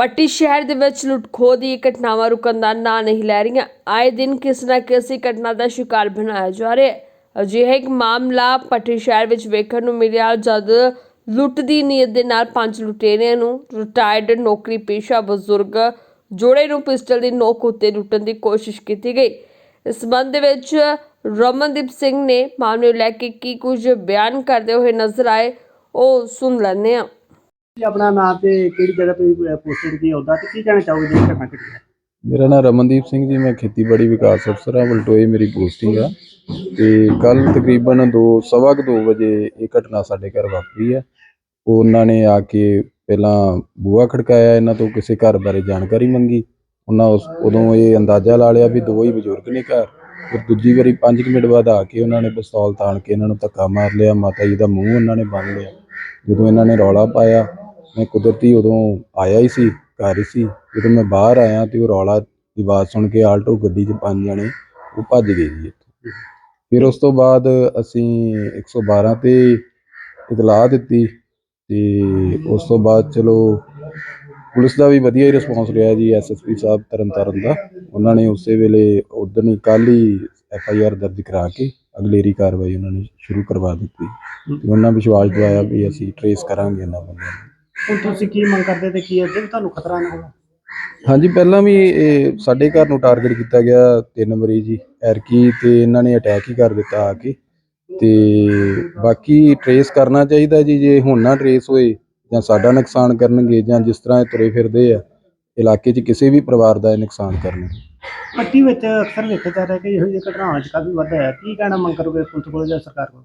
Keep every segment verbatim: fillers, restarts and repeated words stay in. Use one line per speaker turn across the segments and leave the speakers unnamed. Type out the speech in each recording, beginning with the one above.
ਪੱਟੀ ਸ਼ਹਿਰ ਦੇ ਵਿੱਚ ਲੁੱਟ-ਖੋਹ ਦੀ ਘਟਨਾਵਾਂ ਰੁਕਣ ਦਾ ਨਾਂ ਨਹੀਂ ਲੈ ਰਹੀਆਂ। ਆਏ ਦਿਨ ਕਿਸੇ ਨਾ ਕਿਸੇ ਘਟਨਾ ਦਾ ਸ਼ਿਕਾਰ ਬਣਾਇਆ ਜਾ ਰਿਹਾ ਹੈ। ਅਜਿਹਾ ਇੱਕ ਮਾਮਲਾ ਪੱਟੀ ਸ਼ਹਿਰ ਵਿੱਚ ਵੇਖਣ ਨੂੰ ਮਿਲਿਆ ਜਦ ਲੁੱਟ ਦੀ ਨੀਅਤ ਦੇ ਨਾਲ ਪੰਜ ਲੁਟੇਰਿਆਂ ਨੂੰ ਰਿਟਾਇਰਡ ਨੌਕਰੀ ਪੇਸ਼ਾ ਬਜ਼ੁਰਗ ਜੋੜੇ ਨੂੰ ਪਿਸਟਲ ਦੀ ਨੋਕ ਉੱਤੇ ਲੁੱਟਣ ਦੀ ਕੋਸ਼ਿਸ਼ ਕੀਤੀ ਗਈ। ਇਸ ਸੰਬੰਧ ਦੇ ਵਿੱਚ ਰਮਨਦੀਪ ਸਿੰਘ ਨੇ ਮਾਮਲੇ ਨੂੰ ਲੈ ਕੇ ਕੀ ਕੁਝ ਬਿਆਨ ਕਰਦੇ ਹੋਏ ਨਜ਼ਰ ਆਏ, ਉਹ ਸੁਣ ਲੈਂਦੇ ਹਾਂ।
अपना नाम ते किहड़ी जगह पे पोस्टिंग की होदा ते की कहना चाहोगे जी घटना घटी है?
मेरा नाम रमनदीप सिंह जी, मैं खेतीबाड़ी विकास अफसर हाँ, बलटोए मेरी पोस्टिंग आ। ते कल तकरीबन दो सवा दो बजे ये घटना साडे घर वापरी है। उन्होंने आके पहला बूहा खड़काया, इन्हां तो किसी घर बारे जानकारी मंगी। उन्हां उस उदों ये अंदाजा ला लिया भी दो ही बजुर्ग ने घर। फिर दूजी बारी पाँच मिनट बाद आके उन्होंने पिस्तौल ताण के इन्हां नूं धक्का मार लिया। माता जी दा मूँह उन्होंने बन लिया। जदों इन्हां ने रौला पाया, मैं कुदरती उदों आया ही सी, घर ही सी। जदों मैं बाहर आया तो रौला की आवाज़ सुन के आल्टो गड्डी च पंज जने वो भज गए जी इत्थों। फिर उस तो बाद असीं एक सौ बारह ते इतलाह दित्ती ते उस तो बाद चलो पुलिस का भी वधिया ही रिस्पॉन्स रहा जी। एस एस पी साहब तरन तारण का उन्होंने उस वेले उदन ही कल ही एफ आई आर दर्ज करा के अगलेरी कार्रवाई उन्होंने शुरू करवा दी। उन्होंने विश्वास दिलाया भी असीं ट्रेस करांगे इन्हां बंदिआं नूं।
ਹੁਣ ਤੁਸੀਂ ਕੀ ਮੰਗ ਕਰਦੇ ਤੇ ਕੀ ਅੱਗੇ ਵੀ ਤੁਹਾਨੂੰ ਖਤਰਾ ਨਾ ਹੋਵੇ?
ਹਾਂਜੀ, ਪਹਿਲਾਂ ਵੀ ਇਹ ਸਾਡੇ ਘਰ ਨੂੰ ਟਾਰਗੇਟ ਕੀਤਾ ਗਿਆ ਤਿੰਨ ਮਰੀਜ਼ ਜੀ ਐਰਕੀ ਤੇ ਇਹਨਾਂ ਨੇ ਅਟੈਕ ਹੀ ਕਰ ਦਿੱਤਾ ਆ ਕੇ। ਤੇ ਬਾਕੀ ਟਰੇਸ ਕਰਨਾ ਚਾਹੀਦਾ ਜੀ, ਜੇ ਹੁਣ ਨਾ ਟਰੇਸ ਹੋਏ ਜਾਂ ਸਾਡਾ ਨੁਕਸਾਨ ਕਰਨਗੇ ਜਾਂ ਜਿਸ ਤਰ੍ਹਾਂ ਇਹ ਤੁਰੇ ਫਿਰਦੇ ਆ ਇਲਾਕੇ 'ਚ ਕਿਸੇ ਵੀ ਪਰਿਵਾਰ ਦਾ ਇਹ ਨੁਕਸਾਨ ਕਰਨਗੇ।
ਪੱਟੀ ਵਿੱਚ ਅਕਸਰ ਵੇਖਿਆ ਜਾ ਰਿਹਾ ਕਿ ਇਹੋ ਜਿਹੀ ਘਟਨਾਵਾਂ 'ਚ ਕਾਫੀ ਵਾਧਾ ਹੈ। ਕੀ ਕਹਿਣਾ ਮੰਗ ਕਰੋਗੇ ਪੁਲਿਸ ਕੋਲ ਜਾਂ ਸਰਕਾਰ ਕੋਲ?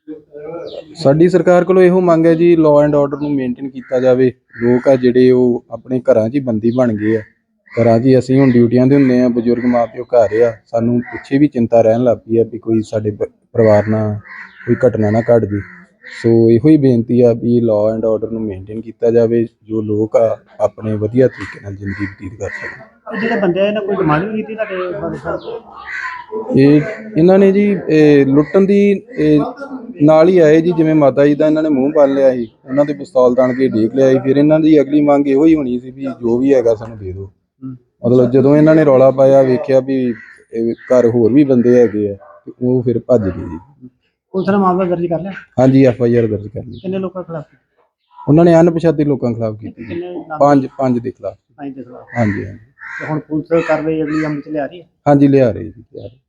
ਸਾਡੀ ਸਰਕਾਰ ਕੋਲੋਂ ਇਹੋ ਮੰਗ ਹੈ ਜੀ, ਲਾਅ ਐਂਡ ਆਰਡਰ ਨੂੰ ਮੇਨਟੇਨ ਕੀਤਾ ਜਾਵੇ। ਲੋਕ ਆ ਜਿਹੜੇ ਉਹ ਆਪਣੇ ਘਰਾਂ 'ਚ ਹੀ ਬੰਦੀ ਬਣ ਗਏ ਆ। ਘਰਾਂ 'ਚ ਹੀ ਅਸੀਂ ਹੁਣ ਡਿਊਟੀਆਂ 'ਤੇ ਹੁੰਦੇ ਹਾਂ, ਬਜ਼ੁਰਗ ਮਾਂ ਪਿਓ ਘਰ ਆ, ਸਾਨੂੰ ਪਿੱਛੇ ਵੀ ਚਿੰਤਾ ਰਹਿਣ ਲੱਗ ਪਈ ਆ ਵੀ ਕੋਈ ਸਾਡੇ ਪਰਿਵਾਰ ਨਾਲ ਕੋਈ ਘਟਨਾ ਨਾ ਘਟ ਜੇ। ਸੋ ਇਹੋ ਹੀ ਬੇਨਤੀ ਆ ਵੀ ਲਾਅ ਐਂਡ ਆਰਡਰ ਨੂੰ ਮੇਨਟੇਨ ਕੀਤਾ ਜਾਵੇ, ਜੋ ਲੋਕ ਆ ਆਪਣੇ ਵਧੀਆ ਤਰੀਕੇ ਨਾਲ ਜ਼ਿੰਦਗੀ ਬਤੀਤ ਕਰ ਸਕਣ।
ਜਿਹੜੇ ਬੰਦੇ ਆ ਇਹਨਾਂ ਕੋਈ ਡਿਮਾਂਡ ਵੀ ਕੀਤੀ ਤੁਹਾਡੇ ਫਾਦਰ ਸਾਹਿਬ?
ਇਹ ਇਹਨਾਂ ਨੇ ਜੀ ਇਹ ਲੁੱਟਣ ਦੀ ਇਹ ਨਾਲ ਹੀ ਆਏ ਜੀ, ਜਿਵੇਂ ਮਾਤਾ ਜੀ ਦਾ ਇਹਨਾਂ ਨੇ ਮੂੰਹ ਬੰਨ ਲਿਆ ਸੀ, ਉਹਨਾਂ ਦੇ ਪਿਸਤੌਲ ਤਾਣ ਕੇ ਢੀਕ ਲਿਆ ਸੀ। ਫਿਰ ਇਹਨਾਂ ਦੀ ਅਗਲੀ ਮੰਗ ਇਹੋ ਹੀ ਹੋਣੀ ਸੀ ਵੀ ਜੋ ਵੀ ਹੈਗਾ ਸਾਨੂੰ ਦੇ ਦਿਓ। ਮਤਲਬ ਜਦੋਂ ਇਹਨਾਂ ਨੇ ਰੌਲਾ ਪਾਇਆ, ਵੇਖਿਆ ਵੀ ਘਰ ਹੋਰ ਵੀ ਬੰਦੇ ਹੈਗੇ ਆ ਤੇ ਉਹ ਫਿਰ ਭੱਜ ਗਏ ਜੀ।
ਪੁਲਿਸ ਨੇ ਮਾਮਲਾ ਦਰਜ ਕਰ ਲਿਆ?
ਹਾਂਜੀ, ਐਫ ਆਈ ਆਰ ਦਰਜ ਕਰ ਲਈ।
ਕਿੰਨੇ ਲੋਕਾਂ ਖਿਲਾਫ?
ਉਹਨਾਂ ਨੇ ਅਣਪਛਾਤੇ ਲੋਕਾਂ ਖਿਲਾਫ ਕੀਤੀ।
ਕਿੰਨੇ ਨਾਮ?
ਪੰਜ ਪੰਜ ਦੇ ਖਿਲਾਫ।
ਪੰਜ ਦੇ ਖਿਲਾਫ।
ਹਾਂਜੀ ਹਾਂਜੀ।
ਤੇ ਹੁਣ ਪੁਲਿਸ ਕਾਰਵਾਈ ਅਗਲੀ ਅਮਲ 'ਚ ਲਿਆ ਰਹੀ ਹੈ?
ਹਾਂਜੀ, ਲਿਆ ਰਹੇ ਜੀ, ਲਿਆ ਰਹੇ।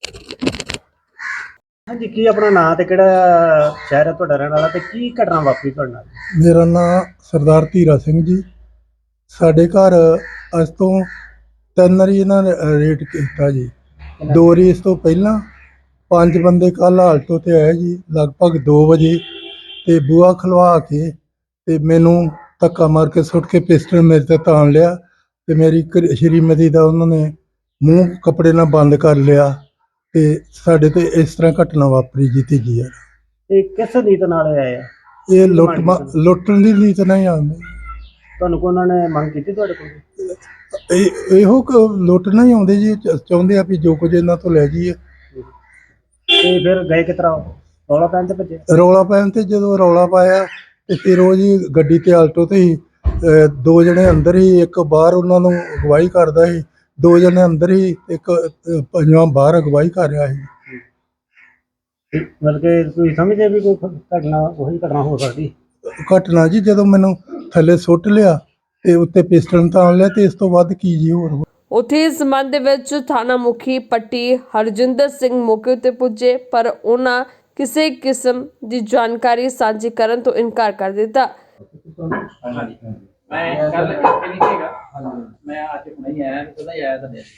ਹਾਂਜੀ, ਕੀ ਆਪਣਾ ਨਾਂ ਤੇ ਕਿਹੜਾ ਸ਼ਹਿਰ ਹੈ ਤੁਹਾਡਾ ਰਹਿਣ ਵਾਲਾ ਤੇ ਕੀ ਘਟਨਾ ਵਾਪਰੀ ਤੁਹਾਡੇ ਨਾਲ?
ਮੇਰਾ ਨਾਮ ਸਰਦਾਰ ਧੀਰਾ ਸਿੰਘ ਜੀ। ਸਾਡੇ ਘਰ ਅੱਜ ਤੋਂ ਤਿੰਨ ਵਾਰੀ ਇਹਨਾਂ ਨੇ ਰੇਡ ਕੀਤਾ ਜੀ। ਦੋ ਵਾਰੀ ਇਸ ਤੋਂ ਪਹਿਲਾਂ ਪੰਜ ਬੰਦੇ ਕੱਲ੍ਹ ਆਲਟੋ 'ਤੇ ਆਏ ਜੀ ਲਗਭਗ ਦੋ ਵਜੇ ਅਤੇ ਬੂਹਾ ਖੁਲਵਾ ਕੇ ਅਤੇ ਮੈਨੂੰ ਧੱਕਾ ਮਾਰ ਕੇ ਸੁੱਟ ਕੇ ਪਿਸਟਲ ਮੇਰੇ 'ਤੇ ਤਾਣ ਲਿਆ ਅਤੇ ਮੇਰੀ ਘ ਸ਼੍ਰੀਮਤੀ ਦਾ ਉਹਨਾਂ ਨੇ ਮੂੰਹ ਕੱਪੜੇ ਨਾਲ ਬੰਦ ਕਰ ਲਿਆ ਅਤੇ ਸਾਡੇ 'ਤੇ ਇਸ ਤਰ੍ਹਾਂ ਘਟਨਾ ਵਾਪਰੀ ਜੀ ਤੀਜੀ ਵਾਰ।
ਇਹ ਕਿਸ ਨੀਤ ਨਾਲ ਆਏ ਆ?
ਇਹ ਲੁੱਟ ਮਾ ਲੁੱਟਣ ਦੀ ਨੀਤ ਨਹੀਂ ਆਉਂਦੀ।
ਤੁਹਾਨੂੰ ਕੋਈ ਉਹਨਾਂ ਨੇ ਮੰਗ ਕੀਤੀ ਤੁਹਾਡੇ ਕੋਲ?
ਇਹ ਇਹੋ ਕੁ ਲੁੱਟਣਾ ਹੀ ਆਉਂਦੇ ਜੀ, ਚ- ਚਾਹੁੰਦੇ ਆ ਵੀ ਜੋ ਕੁਝ ਇਹਨਾਂ ਤੋਂ ਲੈ ਜਾਈਏ।
ਤੇ ਫਿਰ ਗਏ ਕਿਸ ਤਰ੍ਹਾਂ? ਰੌਲਾ ਪੈਣ ਤੇ ਭੱਜੇ?
ਰੌਲਾ ਪੈਣ ਤੇ ਜਦੋਂ ਰੌਲਾ ਪਾਇਆ ਤੇ ਫਿਰ ਉਹ ਜੀ ਗੱਡੀ ਤੇ ਆਲਟੋ ਤੇ ਹੀ ਅਹ, ਦੋ ਜਣੇ ਅੰਦਰ ਹੀ, ਇੱਕ ਬਾਹਰ ਉਹਨਾਂ ਨੂੰ ਅਗਵਾਈ ਕਰਦਾ ਸੀ, ਦੋ ਜਣੇ ਅੰਦਰ ਹੀ, ਇੱਕ ਅਹ, ਪੰਜਵਾਂ ਬਾਹਰ ਅਗਵਾਈ ਕਰ ਰਿਹਾ ਸੀ।
ਮਤਲਬ ਕਿ ਤੁਸੀਂ ਸਮਝਦੇ ਵੀ ਕੋਈ ਘਟਨਾ ਉਹੀ ਘਟਨਾ ਹੋ ਸਕਦੀ?
ਘਟਨਾ ਜੀ ਜਦੋਂ ਮੈਨੂੰ ਥੱਲੇ ਸੁੱਟ ਲਿਆ ਤੇ ਉੱਤੇ ਪਿਸਟਲ ਤਾਣ ਲਿਆ ਤੇ ਇਸ ਤੋਂ ਵੱਧ ਕੀ ਜੀ ਹੋਰ।
ਉੱਥੇ ਇਸ ਸੰਬੰਧ ਦੇ ਵਿੱਚ ਥਾਣਾ ਮੁਖੀ ਪੱਟੀ ਹਰਜਿੰਦਰ ਸਿੰਘ ਮੌਕੇ ਉੱਤੇ ਪੁੱਜੇ, ਪਰ ਉਹਨਾਂ ਕਿਸੇ ਕਿਸਮ ਦੀ ਜਾਣਕਾਰੀ ਸਾਂਝੀ ਕਰਨ ਤੋਂ ਇਨਕਾਰ ਕਰ ਦਿੱਤਾ।
ਮੈਂ ਕੱਲ ਇੱਥੇ ਨਹੀਂ ਸੀਗਾ, ਮੈਂ ਅੱਜ ਹੁਣੇ ਹੀ ਆਇਆ, ਪਤਾ ਹੀ ਆਇਆ ਤੁਹਾਡੇ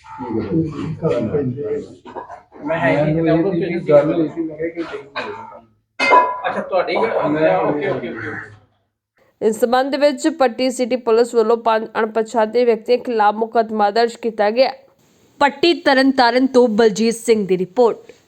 ਮੈਂ ਹੈ ਨਹੀਂ ਸੀਗਾ ਉਦੋਂ ਤੁਸੀਂ ਗੱਲ ਹੋਈ ਸੀ, ਮੈਂ ਕਿਹਾ ਕਿ ਅੱਛਾ ਤੁਹਾਡੀ ਓਕੇ ਓਕੇ ਓਕੇ।
ਇਸ ਸੰਬੰਧ ਵਿੱਚ ਪੱਟੀ ਸਿਟੀ ਪੁਲਿਸ ਵੱਲੋਂ ਪੰਜ ਅਣਪਛਾਤੇ ਵਿਅਕਤੀਆਂ ਖਿਲਾਫ ਮੁਕੱਦਮਾ ਦਰਜ ਕੀਤਾ ਗਿਆ। ਪੱਟੀ ਤਰਨਤਾਰਨ ਤੋਂ ਬਲਜੀਤ ਸਿੰਘ ਦੀ ਰਿਪੋਰਟ।